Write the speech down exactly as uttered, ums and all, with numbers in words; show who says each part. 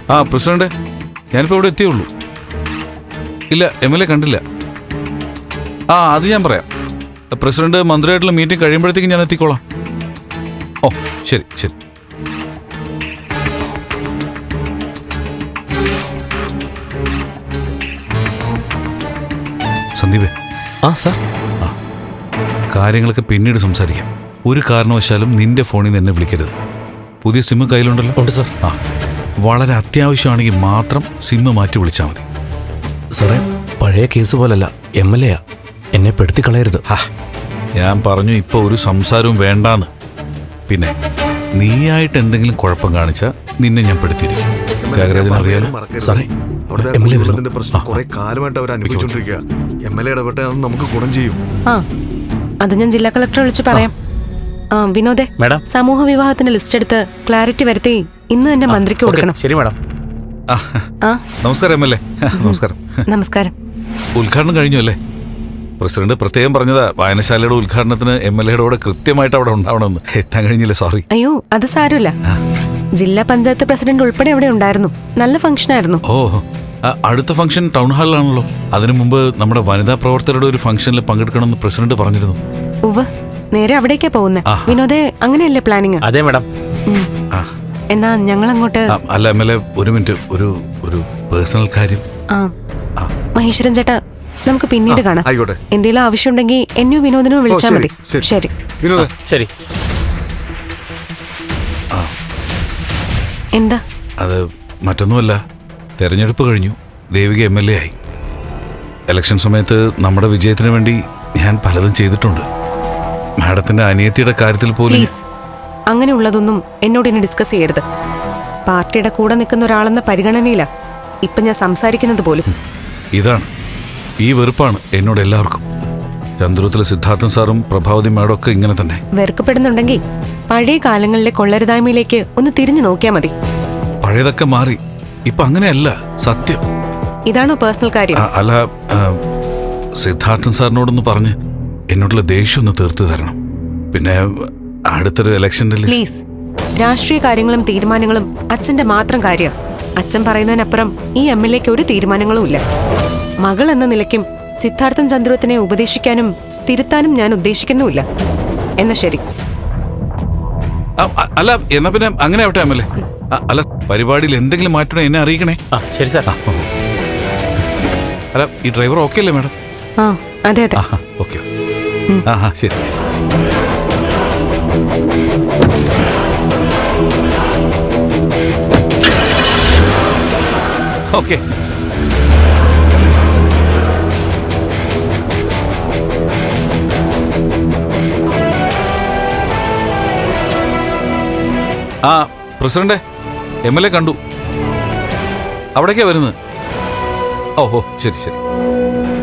Speaker 1: ആ പ്രസിഡന്റ്, ഞാനിപ്പോൾ ഇവിടെ എത്തിയുള്ളൂ. ഇല്ല, എം എൽ എ കണ്ടില്ല. ആ അത് ഞാൻ പറയാം. പ്രസിഡന്റ് മന്ത്രിയായിട്ടുള്ള മീറ്റിംഗ് കഴിയുമ്പോഴത്തേക്കും ഞാൻ എത്തിക്കോളാം. ഓ ശരി ശരി. സന്ദീപേ.
Speaker 2: ആ സാർ.
Speaker 1: ആ കാര്യങ്ങളൊക്കെ പിന്നീട് സംസാരിക്കാം. ഒരു കാരണവശാലും നിന്റെ ഫോണിൽ നിന്ന് എന്നെ വിളിക്കരുത്. പുതിയ സിമ്മ് കയ്യിലുണ്ടല്ലോ?
Speaker 2: ഉണ്ട് സാർ.
Speaker 1: ആ വളരെ അത്യാവശ്യമാണെങ്കിൽ മാത്രം സിമ്മ് മാറ്റി വിളിച്ചാൽ മതി.
Speaker 2: സാറേ, പഴയ കേസ് പോലല്ല, എം എൽ എയാ, എന്നെ പെടുത്തി കളയരുത്.
Speaker 1: ഹാ, ഞാൻ പറഞ്ഞു ഇപ്പോൾ ഒരു സംസാരവും വേണ്ടാന്ന്. പിന്നെ നീയായിട്ട് എന്തെങ്കിലും കുഴപ്പം കാണിച്ചാൽ നിന്നെ ഞാൻ പെടുത്തിയിരിക്കും. ത്യാഗരാജനറിയാലോ
Speaker 2: സാറേ.
Speaker 3: പ്രശ്നം കുറെ കാലമായിട്ട് അവർ അനുഭവിച്ചുകൊണ്ടിരിക്കുക. എം എൽ എ ഇടപെട്ട നമുക്ക് ഗുണം ചെയ്യും.
Speaker 4: ആ അത് ഞാൻ ജില്ലാ കളക്ടറെ വിളിച്ച് പറയാം. ആ വിനോദേ, സമൂഹ വിവാഹത്തിന്റെ ലിസ്റ്റ് എടുത്ത് ക്ലാരിറ്റി വരുത്തി ഇന്ന് തന്നെ മന്ത്രിക്ക് കൊടുക്കണം.
Speaker 2: ശരി മാഡം.
Speaker 1: നമസ്കാരം എം എൽ എ. നമസ്കാരം.
Speaker 4: നമസ്കാരം.
Speaker 1: ഉദ്ഘാടനം കഴിഞ്ഞു അല്ലേ? പ്രസിഡന്റ് പ്രത്യേകം പറഞ്ഞതാ വായനശാലയുടെ ഉദ്ഘാടനത്തിന് എം എൽ എയുടെ കൂടെ കൃത്യമായിട്ട് അവിടെ ഉണ്ടാവണമെന്ന്. എത്താൻ കഴിഞ്ഞില്ല, സോറി.
Speaker 4: അയ്യോ അത് സാരമില്ല. ജില്ലാ പഞ്ചായത്ത് പ്രസിഡന്റ് ഉൾപ്പെടെ അവിടെ ഉണ്ടായിരുന്നു. നല്ല ഫംഗ്ഷൻ ആയിരുന്നു.
Speaker 1: ഓ, അടുത്ത ഫംഗ്ഷൻ ടൗൺ ഹാളിലാണല്ലോ. അതിനു മുമ്പ് നമ്മുടെ വനിതാ പ്രവർത്തകരുടെ ഒരു ഫംഗ്ഷനിൽ പങ്കെടുക്കണമെന്ന് പ്രസിഡന്റ് പറഞ്ഞിരുന്നു.
Speaker 4: ഉവ്വ്, നേരെ അവിടേക്കാ പോകുന്നത്. വിനോദേ, അങ്ങനെയല്ലേ പ്ലാനിങ്?
Speaker 2: അതെ മാഡം.
Speaker 4: എന്നാ ഞങ്ങൾ അങ്ങോട്ട്.
Speaker 1: അല്ല എം എൽ എ, ഒരു മിനിറ്റ്, ഒരു ഒരു പേഴ്സണൽ കാര്യം.
Speaker 4: ആ മഹേശ്വരൻ ചേട്ടാ, നമുക്ക് പിന്നീട് കാണാം. എന്തെങ്കിലും ആവശ്യമുണ്ടെങ്കിൽ എന്നെയോ വിനോദിനോ വിളിച്ചാൽ മതി. ശരി
Speaker 2: ശരി.
Speaker 4: എന്താ?
Speaker 1: അത് മറ്റൊന്നുമല്ല, തെരഞ്ഞെടുപ്പ് കഴിഞ്ഞു. ദേവിക എം എൽ എ ആയി. ഇലക്ഷൻ സമയത്ത് നമ്മുടെ വിജയത്തിന് വേണ്ടി ഞാൻ പലതും ചെയ്തിട്ടുണ്ട്. മാഡത്തിന്റെ അനിയത്തിയുടെ കാര്യത്തിൽ പോലും.
Speaker 4: അങ്ങനെയുള്ളതൊന്നും എന്നോട് ഇനി ഡിസ്കസ് ചെയ്യരുത്. പാർട്ടിയുടെ കൂടെ നിൽക്കുന്ന ഒരാളെന്ന പരിഗണനയില്ല ഇപ്പൊ ഞാൻ സംസാരിക്കുന്നത് പോലും.
Speaker 1: ഇതാണ്, ഈ വെറുപ്പാണ് എന്നോട് എല്ലാവർക്കും. ചന്ദ്രത്തിലെ സിദ്ധാർത്ഥൻ സാറും പ്രഭാവതി മാഡം ഒക്കെ ഇങ്ങനെ തന്നെ.
Speaker 4: വെറുക്കപ്പെടുന്നുണ്ടെങ്കിൽ പഴയ കാലങ്ങളിലെ കൊള്ളരുതായ്മയിലേക്ക് ഒന്ന് തിരിഞ്ഞു നോക്കിയാൽ മതി.
Speaker 1: പഴയതൊക്കെ മാറി, ഇപ്പൊ അങ്ങനെയല്ല, സത്യം.
Speaker 4: ഇതാണോ പേഴ്സണൽ കാര്യം?
Speaker 1: അല്ല, സിദ്ധാർത്ഥൻ സാറിനോടൊന്ന് പറഞ്ഞ് എന്നോടുള്ള ദേഷ്യം ഒന്ന് തീർത്തു തരണം. പിന്നെ അടുത്തൊരു ഇലക്ഷനിൽ
Speaker 4: പ്ലീസ്. രാഷ്ട്രീയ കാര്യങ്ങളും തീരുമാനങ്ങളും അച്ഛന്റെ മാത്രം കാര്യം. അച്ഛൻ പറയുന്നതിനപ്പുറം ഈ എം എൽ എക്ക് ഒരു തീരുമാനങ്ങളും ഇല്ല. മകൾ എന്ന നിലയ്ക്കും സിദ്ധാർത്ഥൻ ചന്ദ്രത്തിനെ ഉപദേശിക്കാനും തിരുത്താനും ഞാൻ ഉദ്ദേശിക്കുന്നുമില്ല. എന്നാ ശരി.
Speaker 1: അല്ല, എന്നാ പിന്നെ അങ്ങനെ ആവട്ടെ എം എൽ എ. അല്ല, പരിപാടിയിൽ എന്തെങ്കിലും മാറ്റണോ എന്നെ അറിയിക്കണേ.
Speaker 2: ശരി സാർ.
Speaker 1: അല്ല, ഈ ഡ്രൈവർ ഓക്കെ അല്ലേ മാഡം?
Speaker 4: ആ അതെ അതെ.
Speaker 1: ഓക്കെ. ആ ആ ശരി ശരി. ഓക്കെ. ആ പ്രസിഡന്റ്, എം എൽ എ കണ്ടു. അവിടേക്കാ വരുന്നത്. ഓ ഓ ശരി ശരി.